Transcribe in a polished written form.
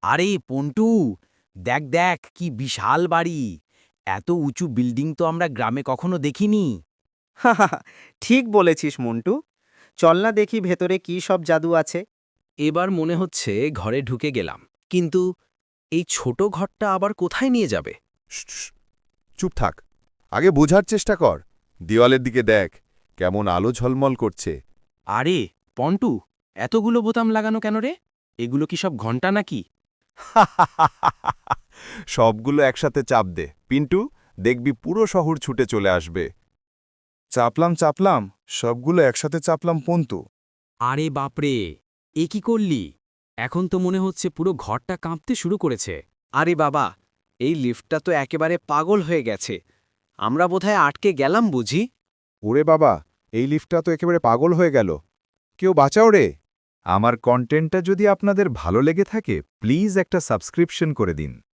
আরে পন্টু, দেখ দেখ কি বিশাল বাড়ি! এত উঁচু বিল্ডিং তো আমরা গ্রামে কখনো দেখিনি। হাহাহা, ঠিক বলেছিস মন্টু। চল না দেখি ভেতরে কি সব জাদু আছে। এবার মনে হচ্ছে ঘরে ঢুকে গেলাম, কিন্তু এই ছোট ঘরটা আবার কোথায় নিয়ে যাবে? শ্, চুপ থাক। আগে বোঝার চেষ্টা কর। দেওয়ালের দিকে দেখ, কেমন আলো ঝলমল করছে। আরে পন্টু, এতগুলো বোতাম লাগানো কেন রে? এগুলো কি সব ঘন্টা নাকি? সবগুলো একসাথে চাপ দে পিন্টু, দেখবি পুরো শহর ছুটে চলে আসবে। চাপলাম চাপলাম, সবগুলো একসাথে চাপলাম পন্তু। আরে বাপরে, এ কি করলি? এখন তো মনে হচ্ছে পুরো ঘরটা কাঁপতে শুরু করেছে। আরে বাবা, এই লিফটটা তো একেবারে পাগল হয়ে গেছে। আমরা বোধহয় আটকে গেলাম বুঝি। ওরে বাবা, এই লিফটটা তো একেবারে পাগল হয়ে গেল। কেউ বাঁচাও রে। আমার কন্টেন্টটা যদি আপনাদের ভালো লেগে থাকে, প্লিজ একটা সাবস্ক্রিপশন করে দিন।